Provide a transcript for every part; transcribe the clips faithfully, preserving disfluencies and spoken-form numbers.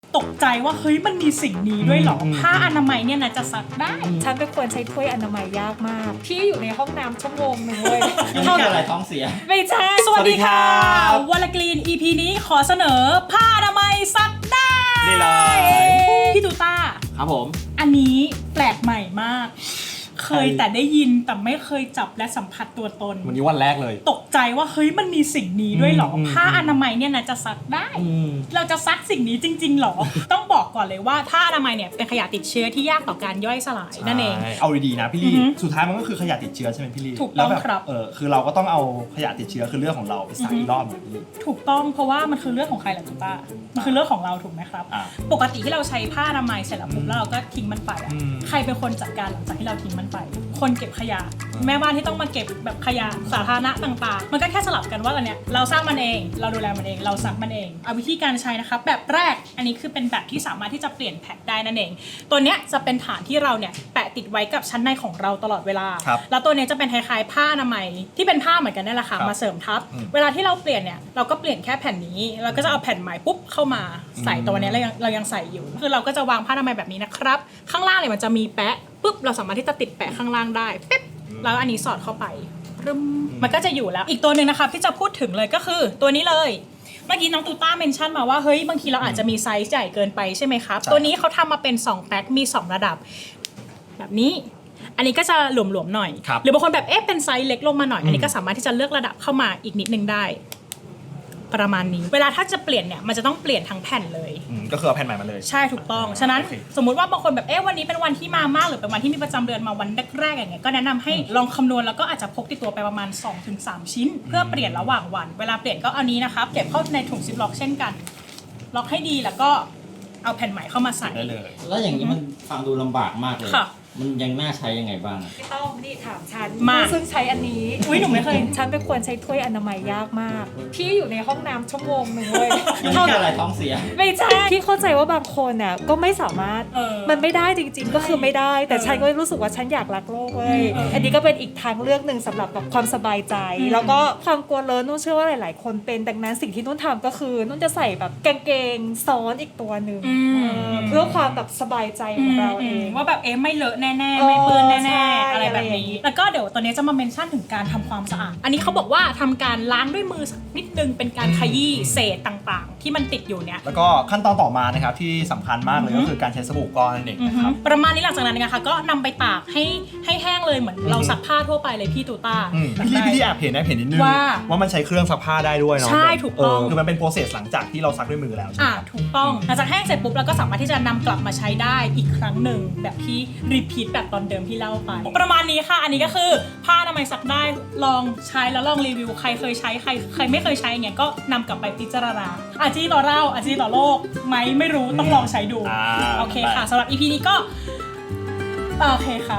ตกใจว่าเฮ้ยมันมีสิ่งนี้ด้วยเหรอผ้าอนามัยเนี่ยนะจะซักได้ฉันเป็นคนใช้ถ้วยอนามัยยากมากพี่อยู่ในห้องน้ำชั่วโมงหนึ่งเลยยุ่งแค่อะไรท้องเสียไม่ใช่สวัสดีค่ะวอลกรีน อี พี นี้ขอเสนอผ้าอนามัยซักได้นี่เลยพี่ตูต้าครับผมอันนี้แปลกใหม่มากเคยแต่ได้ยินแต่ไม่เคยจับและสัมผัสตัวตนวันนี้วันแรกเลยตกใจว่าเฮ้ยมันมีสิ่งนี้ด้วยเหรอผ้าอนามัยเนี่ยนะจะซักได้เราจะซักสิ่งนี้จริงๆหรอ ต้องบอกก่อนเลยว่าผ้าอนามัยเนี่ยเป็นขยะติดเชื้อที่ยากต่อการย่อยสลายนั่นเองเอาดีๆนะพี่ลี่สุดท้ายมันก็คือขยะติดเชื้อใช่ไหมพี่ลี่ถูกต้องครับเออคือเราก็ต้องเอาขยะติดเชื้อคือเรื่องของเราไปซักอีกรอบหนึ่งพี่ลี่ถูกต้องเพราะว่ามันคือเรื่องของใครล่ะจุต้ามันคือเรื่องของเราถูกไหมครับปกติที่เราใช้ผ้าอนามัยเสร็จแล้วปุ๊บแล้วเราก็ทิ้งมันไปใครเป็นคนจัดการหลังจากที่เราทิ้งมันไปคนเก็บขยะแม่บ้านที่ต้องมาเก็บแบบขยะสาธารณะต่างๆมันก็แค่สลับกันว่าอันเนี้ยเราสร้างมันเองเราดูแลมันเองเราซักมันเองเอาวิธีการใช้นะครับแบบแรกอันนี้คือเป็นแบบที่สามารถที่จะเปลี่ยนแพ็คได้นั่นเองตัวเนี้ยจะเป็นฐานที่เราเนี่ยแปะติดไว้กับชั้นในของเราตลอดเวลาแล้วตัวเนี้ยจะเป็นคล้ายๆผ้าอนามัยที่เป็นผ้าเหมือนกันนั่นแหละค่ะมาเสริมทับเวลาที่เราเปลี่ยนเนี่ยเราก็เปลี่ยนแค่แผ่นนี้เราก็จะเอาแผ่นใหม่ปุ๊บเข้ามาใส่ตัวเนี้ยเรายังเรายังใส่อยู่คือเราก็จะวางผ้าอนามัยแบบนี้นะครับข้างล่างเนี่ยมันจะมีแปะปุ๊บเราสามารถที่จะติดแปะข้างล่างได้ปิ๊บแล้วอันนี้สอดเข้าไปมันก็จะอยู่แล้วอีกตัวหนึ่งนะคะที่จะพูดถึงเลยก็คือตัวนี้เลยเมื่อกี้น้องตูต้าเมนชั่นมาว่าเฮ้ยบางทีเราอาจจะมีไซส์ใหญ่เกินไปใช่ไหมครับตัวนี้เขาทำมาเป็นสองแพ็คมีสองระดับแบบนี้อันนี้ก็จะหลวมๆหน่อยหรือบางคนแบบเอ๊ะเป็นไซส์เล็กลงมาหน่อยอันนี้ก็สามารถที่จะเลือกระดับเข้ามาอีกนิดนึงได้ประมาณนี้เวลาถ้าจะเปลี่ยนเนี่ยมันจะต้องเปลี่ยนทั้งแผ่นเลยก็คือเอาแผ่นใหม่มาเลยใช่ถูกต้องฉะนั้นสมมุติว่าบางคนแบบเอ๊ะวันนี้เป็นวันที่มามากหรือเป็นวันที่มีประจำเดือนมาวันแรกๆอย่างเงี้ยก็แนะนำให้ลองคำนวณแล้วก็อาจจะพกติดตัวไปประมาณ สองถึงสาม ชิ้นเพื่อเปลี่ยนระหว่างวันเวลาเปลี่ยนก็เอานี้นะครับเก็บเข้าในถุงซิปล็อกเช่นกันล็อกให้ดีแล้วก็เอาแผ่นใหม่เข้ามาใส่ได้เลยแล้วอย่างนี้มันฟังดูลำบากมากเลยมันยังน่าใช้ยังไงบ้างไม่ต้องนี่ถามฉันมาซึ่งใช้อันนี้อุ้ยหนูไม่เคยฉันเป็นคนใช้ถ้วยอนามัยยากมากพี่อยู่ในห้องน้ำชั่วโมงหนึ่งเลยยุ่งแค่อะไรท้องเสียไม่ใช่พี่เข้าใจว่าบางคนน่ะก็ไม่สามารถมันไม่ได้จริงๆก็คือไม่ได้แต่ฉันก็รู้สึกว่าฉันอยากรักโลกเว้ยอันนี้ก็เป็นอีกทางเลือกหนึ่งสำหรับแบบความสบายใจแล้วก็ความกลัวเลอะนุ่นเชื่อว่าหลายๆคนเป็นดังนั้นสิ่งที่นุ่นทำก็คือนุ่นจะใส่แบบกางเกงซ้อนอีกตัวหนึ่งเพื่อความแบบสบายใจของเราเองว่าแบบเอ๊ะไม่เลอะแน่ๆไม่เปื้อนแน่ๆอะไรแบบนี้แล้วก็เดี๋ยวตอนนี้จะมาเมนชั่นถึงการทำความสะอาดอันนี้เขาบอกว่าทำการล้างด้วยมือสักนิดนึงเป็นการขยี้เศษต่างๆที่มันติดอยู่เนี่ยแล้วก็ขั้นตอนต่อมานะครับที่สำคัญมากเลยก็คือการใช้สบู่ก้อนนั่นเองนะครับประมาณนี้หลังจากนั้นนะคะก็นำไปตากให้ให้แห้งเลยเหมือนเราซักผ้าทั่วไปเลยพี่ตูต้าพี่ลี่พี่ลี่แอบเห็นนะเห็นนิดนึงว่าว่ามันใช้เครื่องซักผ้าได้ด้วยเนาะใช่ถูกต้องคือมันเป็นโปรเซสหลังจากที่เราซักด้วยมือแล้วใช่ไหมอ่าถูกต้องหลังจากแห้งเสร็จปุ๊บเราก็สามารถที่จะนำกลับมาใช้ได้อีกครั้งหนึ่งแบบที่รีพีทแบบตอนเดิมที่เล่าไปประมาณนี้ค่ะอันนี้ก็คือผ้าอนามัยซักได้ลองใช้แล้วลองรีวิวใครเคยใช้ใครใครไม่เคยใช้อย่างเงี้ยก็นำกลับไปพิจารณาอาจีต่อเราอาจีต่อโลกไหมไม่รู้ต้องลองใช้ดูโอเคค่ะสำหรับ อี พี นี้ก็โอเคค่ะ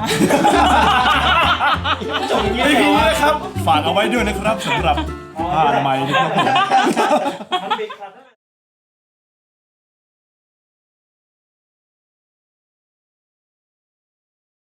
จบอย่างนี้เลยครับฝากเอาไว้ด้วยนะครับสำหรับผ้าอนามัยทุกคน